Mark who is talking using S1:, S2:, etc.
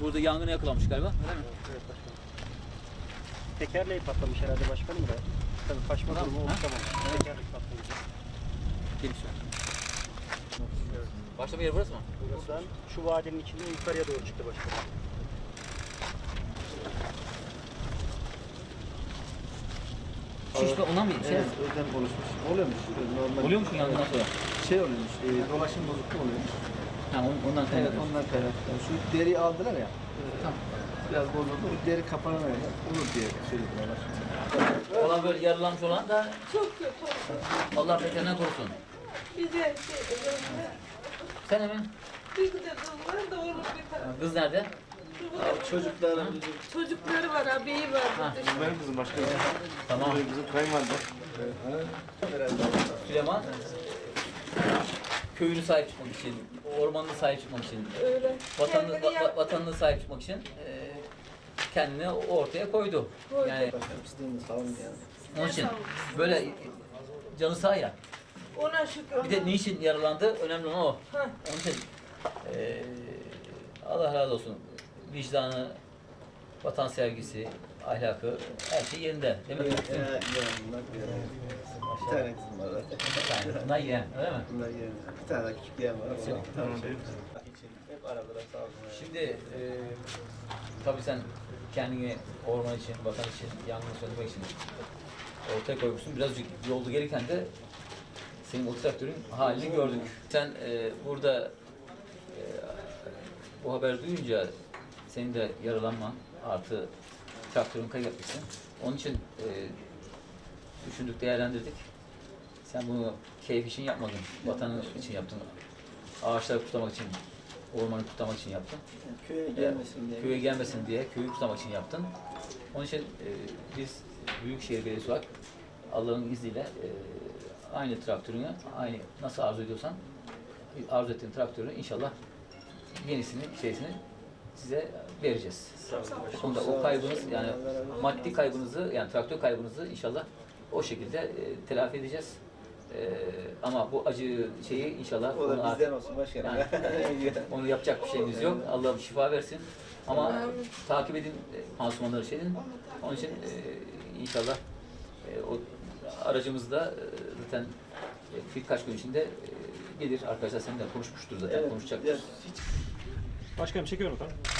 S1: Burada yangına yakalanmış galiba. Öyle mi?
S2: Evet başkanım. Tekerleği patlamış herhalde başkanım da. Tabii kaçma durumu oluşamamış. Tekerlek patlayınca.
S1: Geniş ver. Başlama yeri burası mı?
S2: Buradan şu vadinin içinde yukarıya doğru çıktı başkanım.
S1: Şişme ondan mı?
S3: Evet, ödem oluşmuş. Oluyormuş. Normal.
S1: Oluyormuş mu yangından sonra?
S3: Şey oluyormuş, dolaşım bozukluğu oluyormuş.
S1: Ha, ondan
S3: Evet,
S1: kaynaklı.
S3: ondan kaynaklı. Yani şu deriyi aldılar ya,
S1: Tamam.
S3: biraz bozuldu. O deri kapanana kadar olur diye söylediler.
S1: Olan böyle yaralanmış olan da
S4: Çok kötü oldu.
S1: Allah beterinden korusun.
S4: Bir de şey,
S1: Sen hemen
S4: bir de kızlar da olur bir tane.
S1: kız nerede?
S3: Çocuklar,
S4: Çocukları var, abiyi var.
S1: Ha.
S3: benim kızım başka bir
S1: Tamam.
S3: Bizim kayınvalide.
S1: Süleyman köyünü sahip çıkmak için, ormanına sahip çıkmak için,
S4: Öyle.
S1: vatanını,
S4: Kendini yap-
S1: vatanına sahip çıkmak için kendini ortaya koydu.
S4: Koydu.
S1: Yani
S3: Başkanım pisliğini sağ olun ya.
S1: onun için böyle canı sağ ya.
S4: Ona şükür.
S1: Bir de niçin yaralandı? Önemli olan o.
S4: Ha.
S1: Onun için Allah razı olsun. Vicdanı, vatan sevgisi, ahlakı, her şey yerinde. Değil mi?
S3: Bir tane kızım var zaten.
S1: Yani bunlar yeğen, öyle mi?
S3: Bunlar yerine. Bir tane daha küçük yeğen var. Tamam. Hep aradılar sağ olsun.
S1: Şimdi tabii sen kendini orman için, vatan için, yangını söndürmek için ortaya koymuşsun. Birazcık yolda gelirken de senin o traktörün halini gördük. Sen burada bu haber duyunca senin de yaralanman artı traktörün kaybetmişsin. Onun için düşündük, değerlendirdik. Sen bunu keyif için yapmadın, vatanın için yaptın. Ağaçları kutlamak için, ormanı kutlamak için yaptın.
S3: Köye gelmesin diye.
S1: Köye gelmesin diye, köyü kutlamak için yaptın. Onun için biz Büyükşehir Belediyesi olarak Allah'ın izniyle aynı traktörünü, aynı nasıl arzu ediyorsan arzu ettiğin traktörü inşallah yenisini, size vereceğiz. Onda o kaybınız yani maddi kaybınızı yani traktör kaybınızı inşallah o şekilde telafi edeceğiz. Ama bu acı şeyi inşallah
S3: O da
S1: onu
S3: bizden olsun başkanım.
S1: yani, onu yapacak bir şeyimiz yok. Allah şifa versin. Ama takip edin pansumanları şeyin. Onun için inşallah o aracımız da zaten birkaç gün içinde gelir. Arkadaşlar seninle konuşmuştur zaten.
S3: Evet,
S1: Konuşacaktır.
S2: Başkanım çekiyorum efendim.